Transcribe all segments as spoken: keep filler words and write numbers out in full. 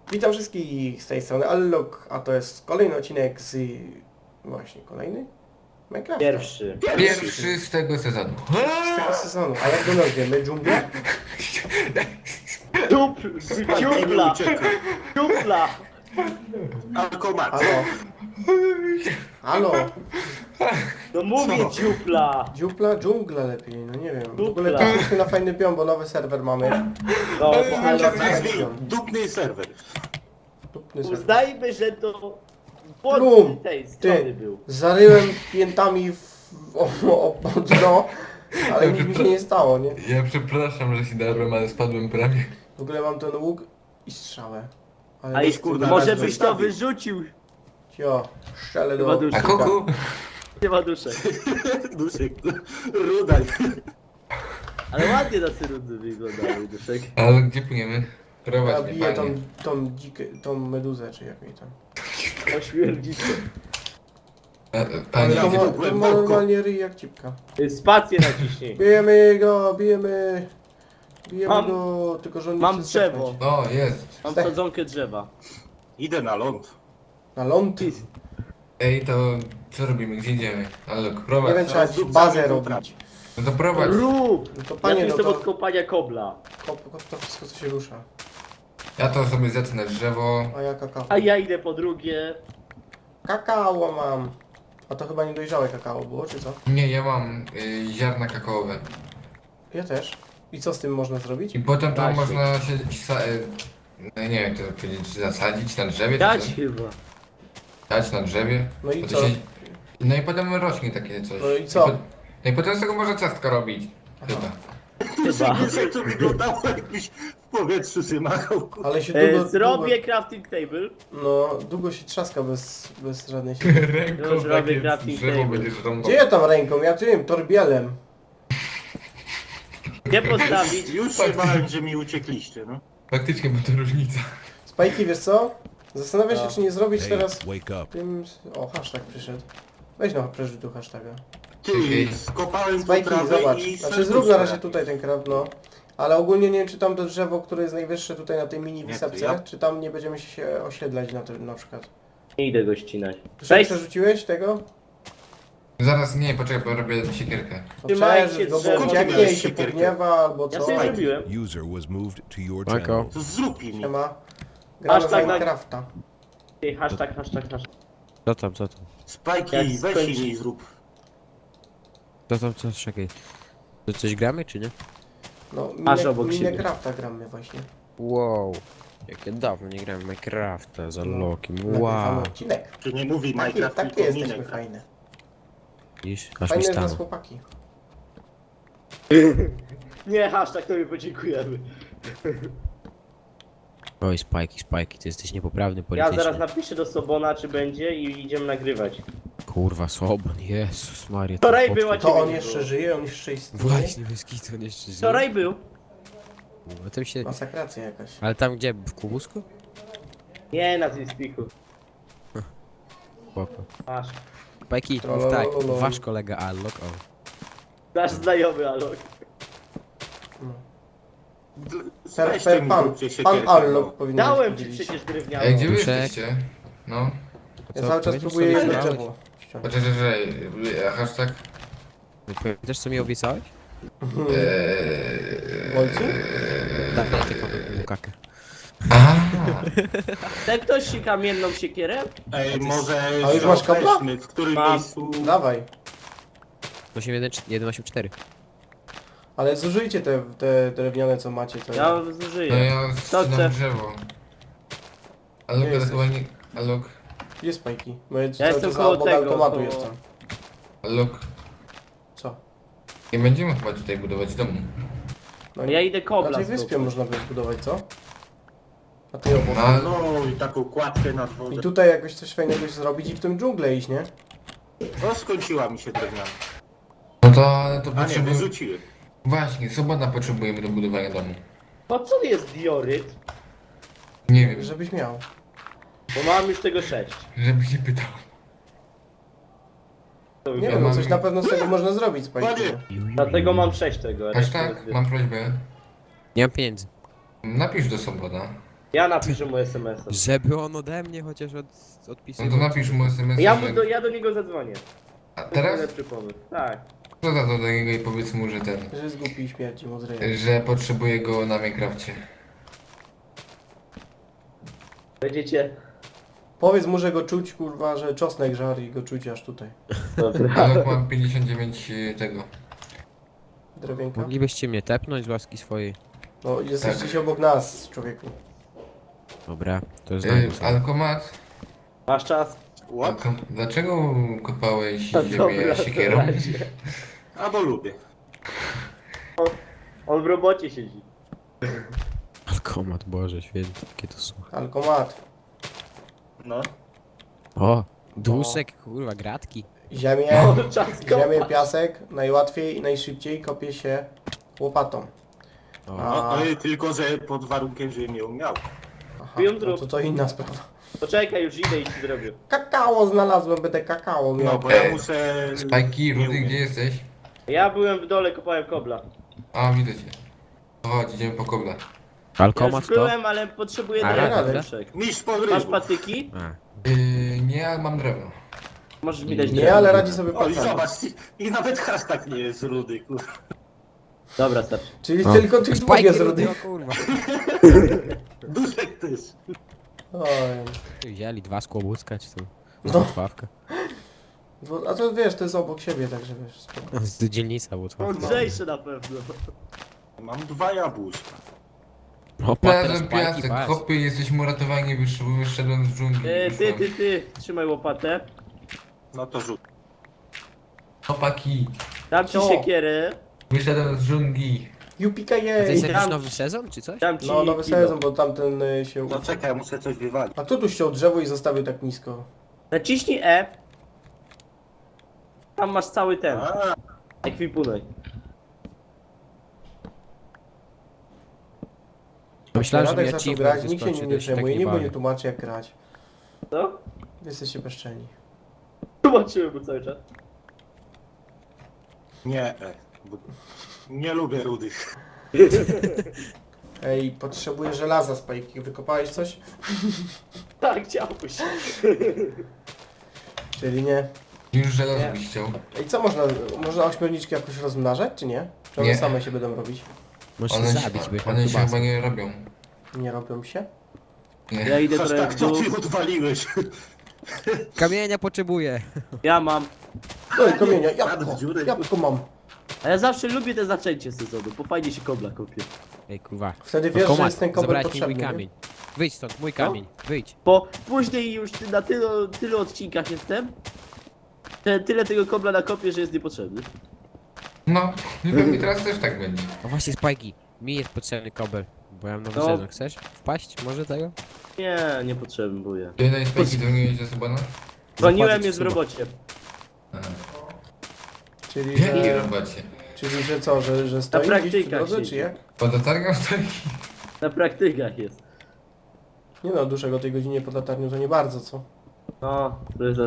Witam wszystkich z tej strony Allok, a to jest kolejny odcinek z... Właśnie, kolejny? Minecraft. Pierwszy. Pierwszy z tego sezonu. Z tego sezonu. A jak go nazwiemy? Dżunglę? Dup, dziupla, dziupla. Alkomat. Halo? Halo? No mówię Co? dziupla. Dziupla? Dżungla lepiej, no nie wiem. W Dupla. ogóle trafiliśmy na fajny pion, bo nowy serwer mamy. No, ale Nazwij dupny serwer. Dupny serwer. uznajmy, że to Plum, pod tej strony Ty, był. zaryłem piętami w... o, o, o dno, ale nic mi się nie stało, nie? Ja przepraszam, że się darłem, ale spadłem prawie. W ogóle mam ten łuk i strzałę. Ale A nie i chcę kurde, może raz byś to wystawił. wyrzucił. Jo, strzelę Chyba do... duży. A kuku? Nie ma duszek. Duszek. Rudaj. Ale ładnie na cyrundy wyglądały duszek. Ale gdzie płyniemy? Ja Prowadź mnie, biję tą, panie. tą dzikę, tą meduzę, czy jak jej tam. Ośmierdzicie. A, Ale Panie, to, idzie ma, tu to głęboko. ma normalnie ryj jak cipka. Spację naciśnij. Bijemy go, bijemy. Bijemy Mam- go, tylko że on nie mam chce drzewo. zdechnąć. o, jest. Mam sadzonkę drzewa. Idę na ląd. Na ląd. Ej, to co robimy? Gdzie idziemy? Ale prowadź. Nie wiem, trzeba Zaraz bazę dupcami robić. No to prowadź. Rób! No to Ja panie, tu no jestem to, od kopania kobla. kop, kop to wszystko co się rusza. Ja to sobie zetnę drzewo. A ja kakao. A ja idę po drugie. Kakao mam. A to chyba niedojrzałe kakao było, czy co? Nie, ja mam y, ziarna kakaowe. Ja też. I co z tym można zrobić? I potem to Właśnie. można się... Sa, y, no nie wiem, jak to powiedzieć, zasadzić na drzewie? czy Dać co? chyba. Dać na drzewie. No i Bo to co? się- No i potem rośnie takie coś. No i co? po- No i potem z tego można ciastka robić. Chyba. Chyba. Duszek, to wyglądało jakbyś w powietrzu się machał. Ale się E, długo, zrobię crafting table. długo, no, długo się trzaska bez, bez żadnej siły. Ręką Już robię takie crafting drzewo table. będziesz rąbał. Gdzie ja tam ręką? Ja tym, torbielem. Gdzie postawić? Już się bałem, że mi uciekliście, no. Faktycznie, bo to różnica. Spajki, wiesz co? Zastanawiam się, No. czy nie zrobić Hey, teraz wake up. tym... O, hashtag przyszedł. Weź no, przeżyj tu hashtaga. Ty, Okej. skopałem tu Spajki, trawę zobacz. i Znaczy zrób na razie tutaj ten kraft, no. Ale ogólnie nie wiem, czy tam to drzewo, które jest najwyższe tutaj na tej mini Nie, to wysepce, ja- czy tam nie będziemy się osiedlać na tym na przykład. Nie idę go ścinać. Czy Weź, przerzuciłeś tego? Zaraz nie, poczekaj, bo robię siekierkę. No Trzymajcie przerzuć go, bo drzewo. ucieknie i się Siekierkę. pogniewa albo ja co. sobie zrobiłem. User was moved to your Marko. channel. To zrób mi. Siema. Gramy w Hashtag na- Minecrafta. Ej, Hashtag, hashtag, hashtag. Co tam, co tam? Spajki, Jak weź skończy- mi zrób. Co tam, co? Czekaj. To coś gramy, czy nie? No, Masz Mine- obok siebie. Minecrafta gramy właśnie. Wow. Jak ja dawno nie grałem w Minecrafta za Lokim. Nagrywamy Wow. odcinek. Tu nie mówi Takie, Minecraft, takie tylko jesteśmy Minecraft. fajne. Widzisz? Aż mi Fajne z nas stało. chłopaki. Nie, hashtag, to mi podziękujemy. Oj, spajki, spajki, ty jesteś niepoprawny Ja politycznie. zaraz napiszę do Sobona, czy będzie i idziemy nagrywać. Kurwa, Soban, Jezus Maria. Wczoraj ten była podpór- To Ciebie on nie jeszcze było. żyje, on jeszcze istnieje. Właśnie, bez kitu, on jeszcze żyje. Wczoraj był. No tam się... Masakracja jakaś. Ale tam gdzie? W Kubusku? Nie, na tym spiku. Spoko. Masz. Spajki, Trololo, mów tak, lolo. wasz kolega Allok, o. Nasz znajomy, Alok. Per, Weźcie per mi pan, zróbcie pan siekierkę, Allok no. powinien Dałem ci powiedzieć. przecież drewnianą. Ej, gdzie wy Duszek. jesteście? No. Ja Co, cały czas powiedziesz, próbuję co jedno obiecałeś? drzewo ściągnąć. Poczekaj, że... Hashtag... Wiesz co mi obiecałeś? Eee... Ojcu? Tak, ja tylko kakę. Aha. Chce ktoś si kamienną siekierę? Ej, może A już masz kabla? weźmy, w którym Mam. miejscu... Dawaj. osiem jeden jeden osiem cztery. Ale zużyjcie te, te drewniane co macie. To Ja No zużyję. ja Kto chce? ścinam drzewo. Ale Gdzie to jesteś? chyba nie... Alok... Gdzie spajki? Bo ja, Ja cały jestem czas koło obok tego, automatu koło- jestem. Alok... Co? Nie będziemy chyba tutaj budować domu. No Ja idę Na kobla tej wyspie zdobyć. można by zbudować, co? A ty obok. No, No i taką kładkę nad I wodę. tutaj jakoś coś fajnego zrobić i w tym dżunglę iść, nie? No skończyła mi się drewniana. no to, ale to A nie, potrzebujemy... wyrzuciłem. Właśnie, sobota potrzebujemy do budowania domu. Po co jest dioryt? Nie wiem, Żebyś miał. Bo mam już tego sześć. żeby się pytał. To Nie Ja wiem, no mam- coś na pewno z tego można zrobić, spajki. Panie! Dlatego mam sześć tego. a resztę Hashtag, rozbiję. mam prośbę. Nie mam pieniędzy. Napisz do sobota. Ja napiszę mu es em es. Żeby on ode mnie chociaż od, No odpisywał. to napisz mu es em es. Ja, mu do, ja do niego zadzwonię. A To jest teraz? najlepszy pomysł. Tak. Co za to do niego i powiedz mu, że ten... Że jest głupi i śmierci mu z ryja. Że potrzebuje go na Minecrafcie. Będziecie... Powiedz mu, że go czuć, kurwa, że czosnek żar i go czuć aż tutaj. Dobra. Ale mam pięćdziesiąt dziewięć y, tego. Drewienka. Moglibyście mnie tepnąć z łaski swojej. No, jesteście Tak. się obok nas, człowieku. Dobra, to Y, znam. Alkomat, Masz czas? What? Alko- dlaczego kopałeś No ziemię dobra, to siekierą? razie. A bo lubię. On w robocie siedzi. Alkomat, Boże święty, jakie to słucha. Alkomat. No. O, duszek, kurwa, gratki. Ziemię, O, czas ziemię, kopać. piasek, najłatwiej i najszybciej kopie się łopatą. O, A, No, no i tylko, że pod warunkiem, że nie umiał. aha, Ją no zrób. to to inna sprawa. Poczekaj, już idę i ci zrobię. Kakao znalazłem, będę kakao No, miał. bo ja muszę... Spajki, nie Rudy, umiem. gdzie jesteś? Ja byłem w dole, kopałem kobla. A, widzę cię. Chodź, idziemy po kobla. Ja alkomat już to? byłem, ale potrzebuję A, drewna. dobra. Duszek. Mistrz Masz podrywu. patyki? A, Yy, nie, ale mam drewno. Możesz mi dać Nie, drewno. ale radzi sobie O i pacjent. zobacz, i, i nawet hashtag nie jest rudy, kurwa. Dobra, starczy. Czyli o. tylko tych dwóch jest rudy. o kurwa. Duszek też. Oj. Wzięli dwa skłobucka, czy to No. Włocławka. Bo- A to wiesz, to jest obok siebie, także wiesz. spoko. Z dzielnica Włocławka. Mądrzejszy na pewno. Mam dwa jabłuszka. O, patrz, teraz Znalazłem pajki, piasek, patrz. hopy, jesteśmy uratowani, wysz- wyszedłem z dżungli. Ty, ty, wyszłem. ty, ty. Trzymaj łopatę. No to rzut. Chłopaki, Dam ci Co? siekierę. wyszedłem z dżungli. Jupika A to jest jej! jakiś Dam- nowy sezon, czy coś? Dam ci No, nowy kilo. sezon, bo tamten y, się... No czekaj, muszę coś wywalić. A kto tu ściął drzewo i zostawił tak nisko? Naciśnij E. Tam masz cały ten. A, Ekwipunek. Myślałem, że Radek mi zaczął achievement grać, nikt się wyskoczy, nim to nie się tak przejmuje, nie nikt mu bawię. nie tłumaczy jak grać. Co? Jesteście bezczelni. Zobaczyłem mu cały czas. nie, e, bo nie lubię rudych. Ej, potrzebuję żelaza, Spajki. Wykopałeś coś? Tak, chciałbyś. Czyli nie. Już żelazo Nie. byś chciał. Ej, co można... Można ośmiorniczki jakoś rozmnażać, czy nie? Czy one Nie. same się będą robić? Możesz One się się, zabić, by one się chyba nie robią. Nie robią się? Nie. Ja idę trochę Hashtag w co dół. ty odwaliłeś? Kamienia potrzebuję. Ja mam. No i kamienia, Padł jabłko, w dziurę. jabłko mam. A ja zawsze lubię te zaczęcie sezonu, bo fajnie się kobla kopie. Ej, kurwa. Wtedy No, wiesz, że komat, jest ten kobel zabrałeś mi mój potrzebny, nie? kamień. Wyjdź stąd, mój No. kamień. Wyjdź. Bo później już ty- na tylu, tylu odcinkach jestem, że tyle tego kobla nakopię, że jest niepotrzebny. No, i pewnie teraz też tak będzie. O właśnie, Spajki. Mi jest potrzebny kobel. Bo ja mam nowy No. sezon. Chcesz wpaść? Może tego? Nie, nie potrzebuję. Ty daj spajki, dzwoniłeś do Subana? Dzwoniłem, Zapłacić jest w suba. robocie. Czyli, W jakiej że... robocie? Czyli, że co, że, że stoi gdzieś przy praktykach drodze, siedzi. czy jak? Pod latarnią stoi? Na praktykach jest. Nie no, duszek o tej godzinie pod latarnią to nie bardzo, co? No, to jest...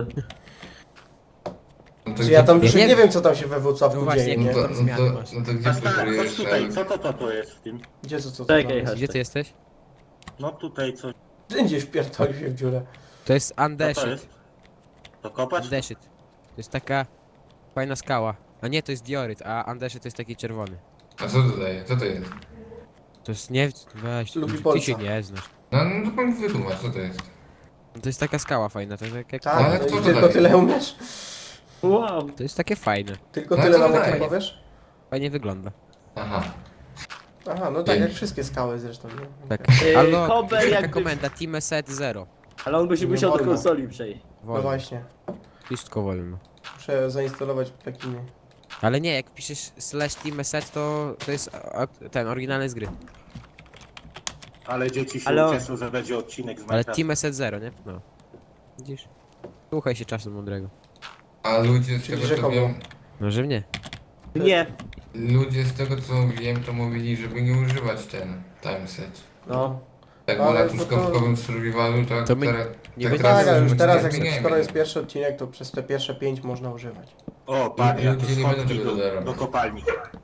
No to Czy ja tam Ja duszek nie nie wiem. wiem, co tam się we Włocławku No właśnie, dzieje, No nie? to, tam no zmiany to, masz. no to gdzie Hashtag, chodź próbujesz? tutaj, co to, to, to jest w tym? Gdzie co, co, co? Czekaj, tam? Hasz. Gdzie ty jesteś? No tutaj coś. Gdzie wpierdolił się w dziurę? To jest Co to Andeshit. jest? To kopać? Andeshit. To jest taka fajna skała. A nie, to jest dioryt, a Andeshit to jest taki czerwony. A co to daje? Co to jest? To jest nie... Weź, Lubi ty, ty Polsa. się nie znasz. No, no to pan wytłumacz, co to jest? To jest taka skała fajna, to jest jak... jak Tak, ale no co i to tylko daje? tyle umiesz? Wow. To jest takie fajne. Tylko No, tyle co nam to o tym daje? powiesz? Fajnie wygląda. Aha. Aha, no tak, jak wszystkie skały zresztą, nie? Tak. Yy, Albo Kobel taka jakby- komenda, Team Set Zero. Ale on by się Nie musiał do wolno. konsoli przejść. No Wolno. właśnie, Wszystko wolno. muszę zainstalować pluginy. Ale nie, jak piszesz slash Team Set, to, to jest a, ten oryginalny z gry. Ale dzieci się Ale on- ucieszą, że będzie odcinek z Ale Minecrafta. Team Set Zero, nie? No. Widzisz? Słuchaj się czasu mądrego. A ludzie z Czyli tego co rzekomo. wiem, No, że nie. Nie. ludzie z tego co wiem, to mówili, żeby nie używać ten timeset. No. Tak, Ale bo na to- truskawkowym survivalu tak To my teraz... nie tak będziemy- teraz Tak, ale już używać teraz, nie jak, zmieniajmy skoro jest tego. pierwszy odcinek, to przez te pierwsze pięć można używać. O, pan, I jakie ludzie nie będą schodki tego do, dodawać. do kopalni.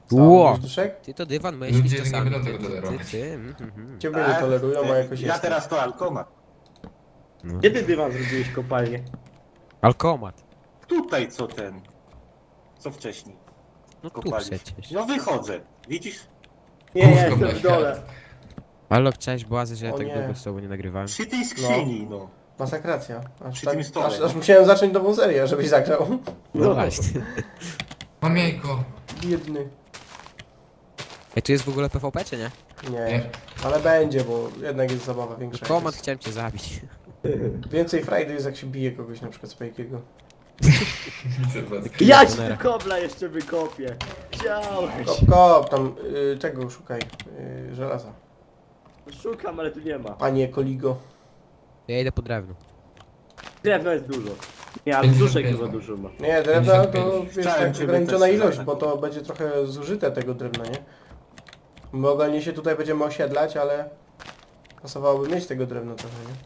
Co, Ło! mówisz, Duszek? Ty to dywan Ludzie myślisz nie czasami. będą Ty, tego ty, ty, tolerować. ty. mm, mm, mm. Ciebie nie Tak, tolerują, a jakoś Ja jest. teraz to alkomat. No. Kiedy dywan zrobiłeś kopalnię? Alkomat. Tutaj co ten? Co wcześniej? No tu Kopaliśmy. przecież. No wychodzę. Widzisz? Nie, ja Główką jestem na w dole. Alok, cześć, Błazy, że ja O tak nie. długo z tobą nie nagrywałem. Przy tej skrzyni, no. Masakracja. Aż, Przy tak, tym stole. aż, aż musiałem zacząć nową serię, żebyś zagrał. No właśnie. Mam jajko. Biedny. Ej, tu jest w ogóle P V P, czy nie? Nie, Nie. ale będzie, bo jednak jest zabawa większa. Komat, Jest. chciałem cię zabić. Więcej frajdy jest, jak się bije kogoś, na przykład Spajkiego. Zobacz. Ja ci Tunera. kobla jeszcze wykopię. Chciałeś. Kop, kop, tam y, tego szukaj. Y, żelaza. Szukam, ale tu nie ma. Panie Koligo. Ja idę po drewno. Drewno jest dużo. Nie, ale pięćdziesiąt duszek pięć chyba mam. dużo ma. Nie, drewna to pięćdziesiąt wiesz, Chciałem tak cię ograniczona wytest- ilość, tak. bo to będzie trochę zużyte tego drewna, nie? My ogólnie się tutaj będziemy osiedlać, ale pasowałoby mieć tego drewna trochę, nie?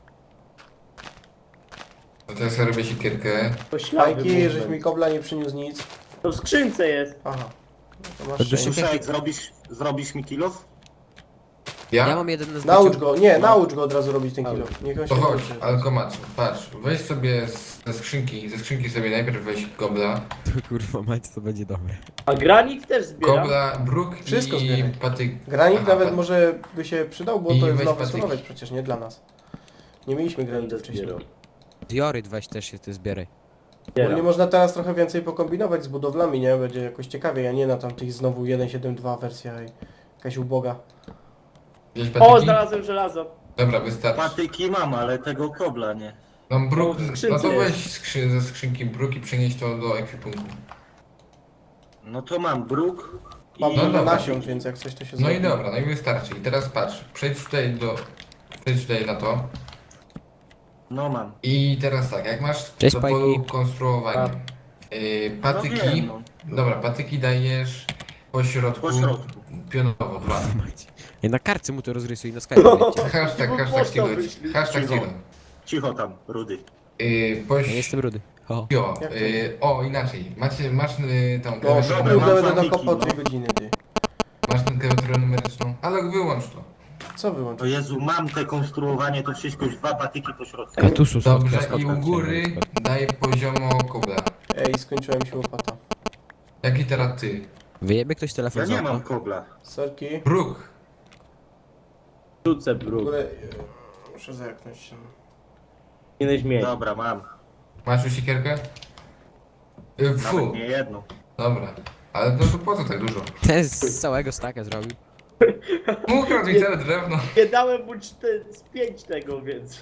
No teraz ja robię siekierkę. To ślady Fajki, movement. żeś mi kobla nie przyniósł nic. To w skrzynce jest. Aha. No to masz To szczęście. duszek- Duszek, zrobisz, zrobisz mi kilof? Ja? Ja mam jeden na Naucz zdjęciu. go, nie, naucz go od razu robić ten kilo. Niech on się To chodź, nauczy. alkomat, patrz, weź sobie z- ze skrzynki, ze skrzynki sobie najpierw weź kobla, Kurwa mać, to będzie dobre. A granit też zbieram. kobla, bruk Wszystko i zbieraj. patyk. Granit Aha, nawet pat- może by się przydał, bo I to jest weź nowy patyki. surowiec przecież, nie dla nas. Nie mieliśmy granitu Będę wcześniej. zbierał. Dioryt weź też się ty zbieraj. Bo nie Zbieram. można teraz trochę więcej pokombinować z budowlami, nie? Będzie jakoś ciekawiej, a nie na tamtych znowu jeden przecinek siedem dwa wersja i jakaś uboga. Wziąć O, patyki? znalazłem żelazo. Dobra, wystarczy. Patyki mam, ale tego kobla nie. Mam bruk, No, w no skrzynce to jest. weź skrzy, ze skrzynki bruk i przenieś to do ekwipunku. No to mam bruk i... Mam No dużo dobra. nasion, więc jak coś to się No i zrobi. dobra, no i wystarczy. I teraz patrz, przejdź tutaj do... Przejdź tutaj na to. No mam. I teraz tak, jak masz Cześć, do Spajki. polu konstruowanie. Yy, No patyki, wiem, no. dobra, patyki dajesz po środku, Po środku. pionowo, dwa. Ej, na kartce mu to rozrysuj, na Skype wiecie. Hashtag, Bo hashtag pocztą kilo, wyślij. hashtag Cicho. kilo. Cicho tam, Rudy. Yy, po Ja nie jestem rudy. O. jo, Jak to? yy, o inaczej, macie, masz yy, tą No, klawiaturę, dobra, kurde, mam będę faniki, dokopał no. dwie godziny, ty. masz tę klawiaturę numeryczną, ale wyłącz to. Co O wyłączyć? Jezu, mam te konstruowanie, to wszystko już dwa patyki po środku. Katusu Dobrze, i u góry daj poziomo kobla. Ej, skończyła mi się łopata. Jaki teraz ty? Wyjebie ktoś Ja telefon z nie okna? mam kobla. Sorki. Bruk. Rzucę W bruk. ogóle... e, Muszę zerknąć. Powinieneś mieć. Dobra, mam. Masz już siekierkę? Yy, fu, Nawet nie jedną. dobra. Ale no to po co tak dużo? Ten z całego staka zrobił. Ukradł mi całe drewno. Nie dałem mu cztery, z pięć tego, więc...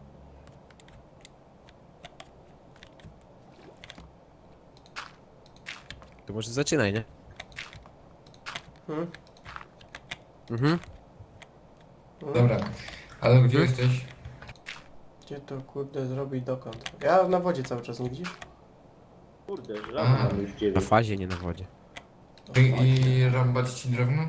To może zaczynaj, nie? Hmm? Mhm. Hmm? Dobra, ale gdzie jesteś? Gdzie to kurde zrobić dokąd? Ja na wodzie cały czas, nie widzisz? Kurde, żelazo A. mam już Na dziewięć. fazie, nie na wodzie. I, i rąbać ci drewno?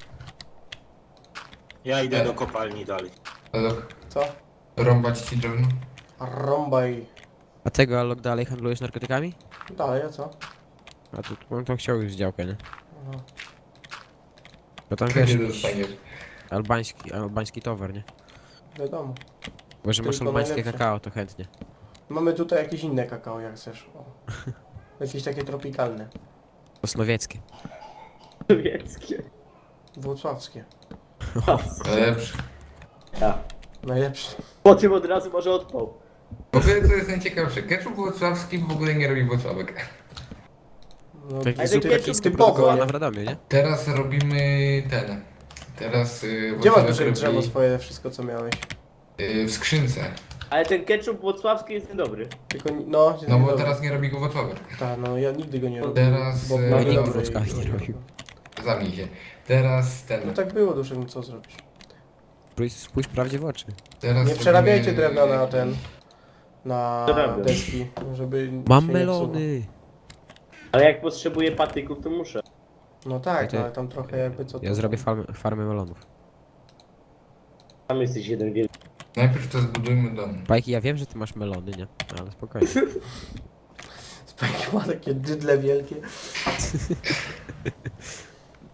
Ja idę do kopalni dalej. Alok, Co? rąbać ci drewno? Rąbaj. A tego Alok dalej handlujesz narkotykami? Dalej, a co? A tu on to chciał już działkę, nie? Aha. Bo tam wiesz, Nie jakiś dostaniesz. albański, albański towar, nie? Wiadomo. Bo że masz Tylko albańskie najlepsze. kakao, to chętnie. Mamy tutaj jakieś inne kakao, jak chcesz. O. Jakieś takie tropikalne. Osnowieckie. Sowieckie. Włocławskie. Lepszy. Ja. Najlepsze. Po tym od razu może odpał. W ogóle to jest najciekawsze. Ketchup włocławski w ogóle nie robi Włocławek. No, Taki Ale super ketchup chiński typowo, produkowana nie? w Radomiu, nie? Teraz robimy ten. Teraz yy, Gdzie masz Włocławek duże drzewo robi, swoje, wszystko co miałeś? yy, w skrzynce. Ale ten ketchup włocławski jest niedobry. Tylko, ni- no... No bo dobra. teraz nie robi go Włocławek. Tak, no ja nigdy go nie robię. Teraz, Bo e, mamy nikt dobre Włocławek i- nie robił. Zamknij się. Teraz ten. No tak było, duszę, no co zrobisz? Spójrz, spójrz prawdzie w oczy. Teraz Nie przerabiajcie robimy- drewna na ten... Na Przerabiam. deski, żeby Mam się nie melony! Ale jak potrzebuję patyków, to muszę. psuło. No tak, Ja to- no, ale tam trochę jakby co to... Ja zrobię farmę, farmę melonów. Tam jesteś jeden wielki. Najpierw to zbudujmy dom. Bajki, ja wiem, że ty masz melony, nie? Ale spokojnie. Spajki ma takie dydle wielkie.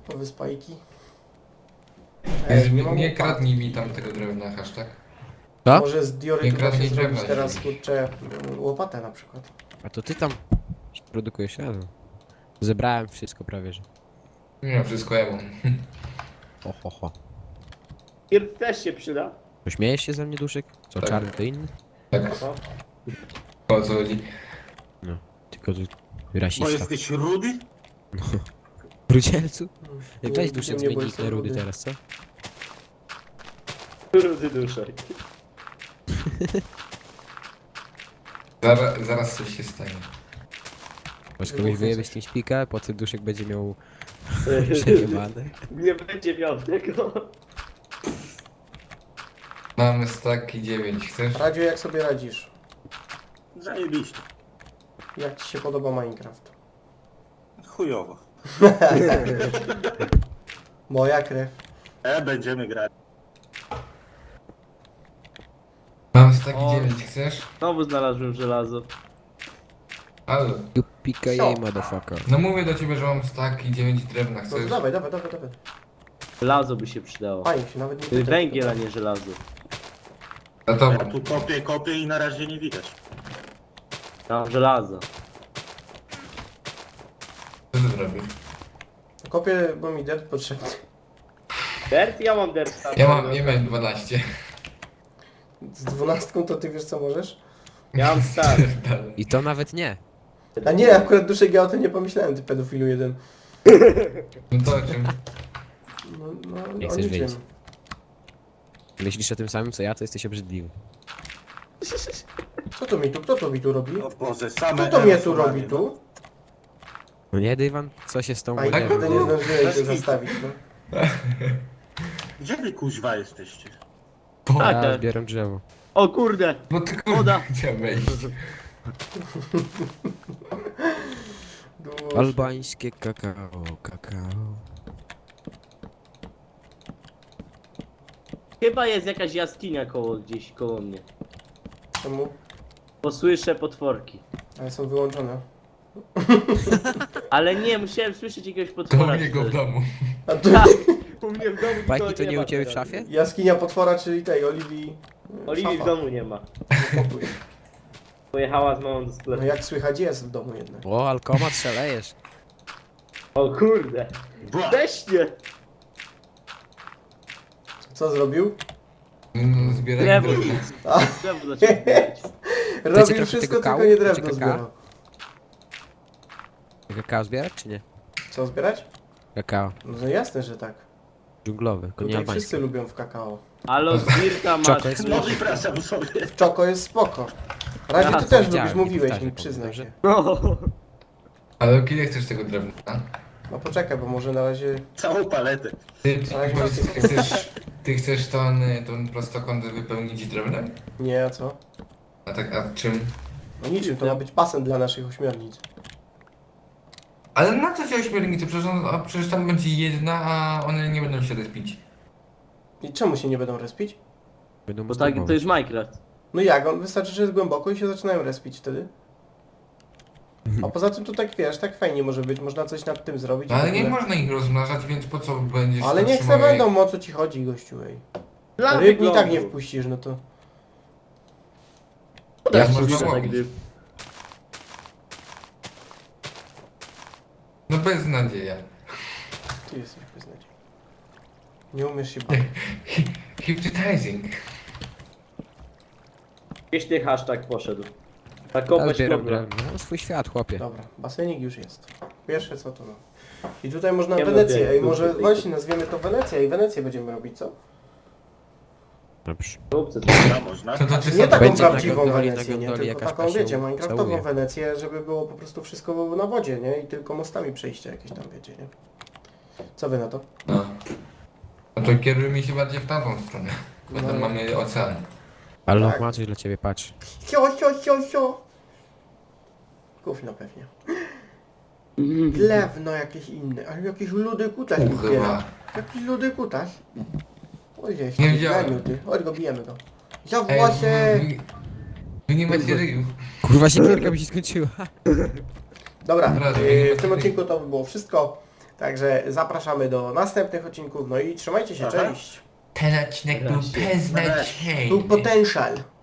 Nowe spajki. Jezu, Ej, nie, mam nie łopaty. kradnij mi tam tego drewna, hashtag. Co? Może z Nie diorytu da się kradnij zrobić drewna, teraz, jeżeli- kurczę, łopatę na przykład. A to ty tam produkujesz, ja no. Zebrałem wszystko prawie, że. Nie, wszystko ja mam. Ho, ho, ho. Pierd też się przyda. Pośmiejesz się ze mnie, Duszek? Co, Tak. czarny to inny? Tak, O, o co chodzi? Tylko tu Bo rasista. jesteś rudy? Brudzielcu? Nie, Weź nie, Duszek nie, zmień bo nick jestem na rudy rudy. teraz, co? rudy duszek. Zaraz, zaraz coś się stanie. Masz Wybuchnie kogoś wyjebać coś. tym śpika, potem Duszek będzie miał przejebane. Nie będzie miał tego. Mamy staki dziewięć, chcesz? Radziu, jak sobie radzisz? Zajebiście. Jak ci się podoba Minecraft? Chujowo. Moja krew. E, będziemy grać. Mam staki O. dziewięć, chcesz? Znowu znalazłem żelazo. Ale, You pika jej, motherfucker. no mówię do ciebie, że mam staki dziewięć drewna, No chcesz? to dawaj, dawaj, dawaj, dawaj. Żelazo by się przydało. Fajnie się nawet nie Węgiel, a nie żelazo. Za Ja tobą. tu kopię, kopię i na razie nie widać. Tam żelazo. Co ty zrobisz? Kopię, bo mi dirt potrzebny. Dert? Ja mam dert. tam. Ja mam, ja miałem dwanaście. Z dwunastką to ty wiesz co możesz? Ja mam star. I to nawet nie. A nie, akurat Duszek, ja o tym nie pomyślałem, ty pedofilu jeden. No to o czym? No, no, Nie o chcesz niczym. wiedzieć. Myślisz o tym samym co ja, to jesteś obrzydliwy. Co to mi tu, kto to mi tu robi? O Boże, same Kto to mnie tu erosowanie, robi tu? No nie, Dywan? Co się z tą A i łodzią? nigdy nie zdążyłem się zastawić, no. Gdzie wy kuźwa jesteście? Po, Tak. Ja zbieram drzewo. O kurde! bo ty kurde Woda. chciałem wejść. Dusz. Albańskie kakao, kakao. Chyba jest jakaś jaskinia koło gdzieś koło mnie. Czemu? Posłyszę potworki. Ale są wyłączone. Ale nie, musiałem słyszeć jakiegoś To u potwora. niego w czy coś. domu. A tu Tak, u mnie w domu Bajki nikogo to nie ma u ciebie w teraz. szafie? jaskinia potwora, czyli tej, Oliwii... e, Oliwii w szafa. domu nie ma. Pokój. Pojechała z mamą do No sklepu. jak słychać jest w domu jednak. O, alkomat szalejesz. O kurde! Bła! Weźcie! Co zrobił? No, zbieraj Drewno. drewno. Drzewo zacząłem zbierać. Robił trochę wszystko, tego kału? tylko nie Chcecie drewno kakao? zbierał. Kakao zbierać czy nie? Co zbierać? Kakao. No jasne, że tak. Dżunglowy, to nie Tutaj wszyscy albański. lubią w kakao. Ale z Dirta masz. Czoko jest No wypraszam sobie. W czoko jest spoko. Radzie, Ja ty też widziałem, lubisz, mówiłeś nie mi, powtarzaj, przyznaj dobrze? się. No. Ale kiedy chcesz tego drewna? No poczekaj, bo może na razie... Całą paletę. Ty, ty, Ale powiedz, macie- ty chcesz, ty chcesz tą, tą prostokąt wypełnić drewnem? Nie, a co? A tak, a czym? No niczym, to ma być basen dla naszych ośmiornic. Ale na co ci ośmiornicy? Przecież, on, a przecież tam będzie jedna, a one nie będą się respić. I czemu się nie będą respić? Będą Bo tak, to masturbować. jest Minecraft. No jak, on wystarczy, że jest głęboko i się zaczynają respić wtedy. A poza tym to tak wiesz, tak fajnie może być, można coś nad tym zrobić. No, i w ale nie ogóle. można ich rozmnażać, więc po co będziesz... Ale niech se zatrzymał je- będą, o co ci chodzi, gościu, ej. Dla Ryb i tak wyglądu. nie wpuścisz, no to... Ja Ja można tak łowić. gdy... No beznadzieja. Ty jesteś beznadziejny. Nie umiesz się bawić. Hypnotizing. Śmieszny hashtag poszedł. Tak Ja kopać zbieram kobra. drewno. Mam swój świat, chłopie. Dobra, basenik już jest. Pierwsze co to no. I tutaj można Nie Wenecję, lubię, ej lubię może tej- właśnie nazwiemy to Wenecja i Wenecję będziemy robić, co? Dobrze. Róbcie to. Dobra, można. To znaczy Nie taką Będzie na prawdziwą gondoli, na Wenecję, nie, gondoli tylko jakaś taką się wiecie, minecraftową całuje. Wenecję, żeby było po prostu wszystko było na wodzie, nie? I tylko mostami przejścia jakieś tam, wiecie, nie? Co wy na to? No. No to kierujmy się bardziej w tamtą stronę. Bo tam No. mamy ocean. Ale Tak. ma coś dla ciebie, patrz. Sio, sio, sio, sio! Gówno pewnie. Drewno jakieś inne, ale jakiś ludy kutas mi zbiera. Chyba. Jakiś ludy kutas. Oj, jest Nie taki widziałem. plemiu, ty. Chodź go, bijemy go. Za Ej, włosy! wy, wy nie macie ryjów. Kurwa, siekierka mi się skończyła. Dobra, Dobra, yy, nie w tym ma- odcinku to by było wszystko. Także zapraszamy do następnych odcinków, no i trzymajcie się, Aha. cześć! Ten odcinek był Wreszcie. beznadziejny. Był potential.